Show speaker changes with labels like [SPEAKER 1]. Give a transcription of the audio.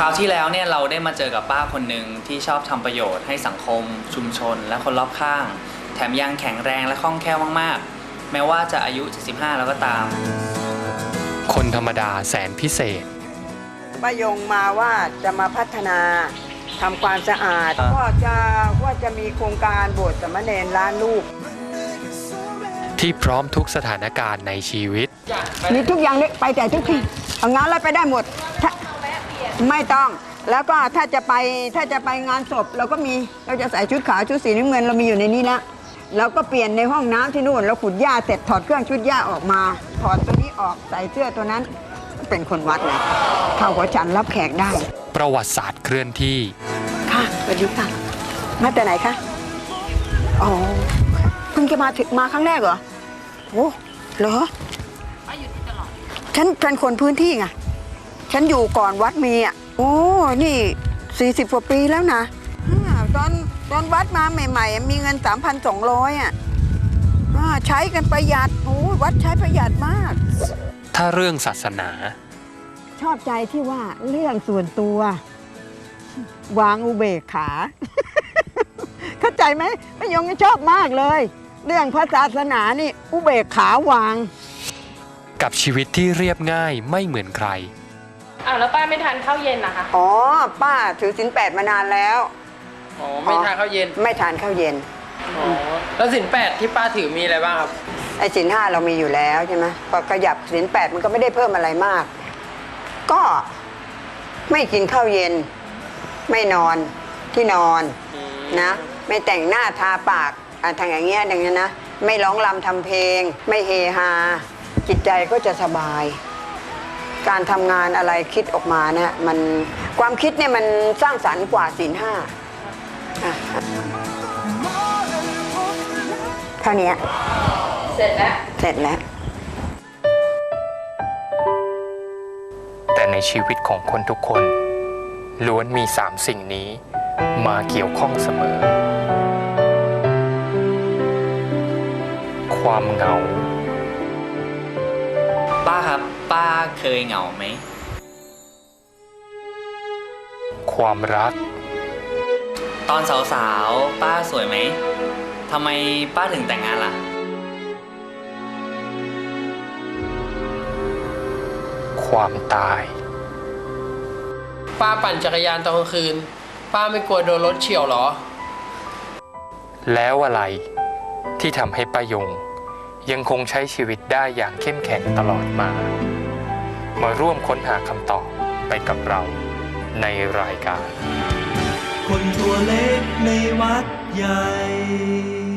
[SPEAKER 1] าวที่แล้วเนี่ยเราได้มาเจอกับป้าคนหนึ่งที่ชอบทำประโยชน์ให้สังคมชุมชนและคนรอบข้างแถมยังแข็งแรงและคล่องแคล่วมากๆแม้ว่าจะอายุ75แล้วก็ตาม
[SPEAKER 2] คนธรรมดาแสนพิเศษ
[SPEAKER 3] ป้ายงมาว่าจะมาพัฒนาทำความสะอาดว่าจะมีโครงการโบสถ์สามเณรล้านลูก
[SPEAKER 2] ที่พร้อมทุกสถานการณ์ในชีวิต
[SPEAKER 3] มีทุกอย่างเลยไปแต่ทุกที่เอางานอะไรไปได้หมดไม่ต้องแล้วก็ถ้าจะไปงานศพเราก็มีเราจะใส่ชุดขาวชุดสีน้ำเงินเรามีอยู่ในนี้แล้วเราก็เปลี่ยนในห้องน้ำที่นู่นเราขุดหญ้าเสร็จถอดเครื่องชุดหญ้าออกมาถอดตัวนี้ออกใส่เสื้อตัวนั้นเป็นคนวัดเลยเข้าหัวฉันรับแขกได้
[SPEAKER 2] ประวัติศาสตร์เคลื่อนที่
[SPEAKER 3] ค่ะสวัสดีค่ะมาแต่ไหนคะอ๋อเพิ่งจะมาครั้งแรกเหรอโอ้เหรอป้าอยู่ที่ตลอดฉันเป็นคนพื้นที่ไงฉันอยู่ก่อนวัดมีอ่ะโอ้นี่40 กว่าปีแล้วนะตอนวัดมาใหม่ๆมีเงิน 3,200 อ่ะใช้กันประหยัดโอ้วัดใช้ประหยัดมาก
[SPEAKER 2] ถ้าเรื่องศาสนา
[SPEAKER 3] ชอบใจที่ว่าเรื่องส่วนตัววางอุเบกขา เข้าใจไหมป้ายงชอบมากเลยเรื่องพระศาสนานี่อุเบกขาวาง
[SPEAKER 2] กับชีวิตที่เรียบง่ายไม่เหมือนใคร
[SPEAKER 4] แล้วป้าไม่ทานข้าวเย็นนะคะ
[SPEAKER 3] อ๋อป้าถือศีล 8มานานแล้ว
[SPEAKER 4] อ๋อไม่ทานข้าวเย็น
[SPEAKER 3] ไม่ทานข้าวเย็น
[SPEAKER 4] อ๋อแล้วศีล 8ที่ป้าถือมีอะไรบ้างครับ
[SPEAKER 3] ไอ้ศีล 5เรามีอยู่แล้วใช่ไหมพอขยับศีล 8มันก็ไม่ได้เพิ่มอะไรมากก็ไม่กินข้าวเย็นไม่นอนที่นอนนะไม่แต่งหน้าทาปากทางอย่างเงี้ยดังนั้นนะไม่ร้องรำทำเพลงไม่เฮฮาจิตใจก็จะสบายการทำงานอะไรคิดออกมาเนี่ยมันความคิดเนี่ยมันสร้างสรรค์กว่าศีล 5เท่านี้
[SPEAKER 4] เสร็จแล้ว
[SPEAKER 2] แต่ในชีวิตของคนทุกคนล้วนมี3 สิ่งนี้มาเกี่ยวข้องเสมอความเหงา
[SPEAKER 1] ป้าครับป้าเคยเหงาไหม
[SPEAKER 2] ความรัก
[SPEAKER 1] ตอนสาวๆป้าสวยไหมทำไมป้าถึงแต่งงานล่ะ
[SPEAKER 2] ความตาย
[SPEAKER 4] ป้าปั่นจักรยานตอนกลางคืนป้าไม่กลัวโดนรถเฉี่ยวหรอ
[SPEAKER 2] แล้วอะไรที่ทำให้ป้ายงยังคงใช้ชีวิตได้อย่างเข้มแข็งตลอดมาร่วมค้นหาคำตอบไปกับเราในรายการ
[SPEAKER 5] คนตัวเล็กในวัดใหญ่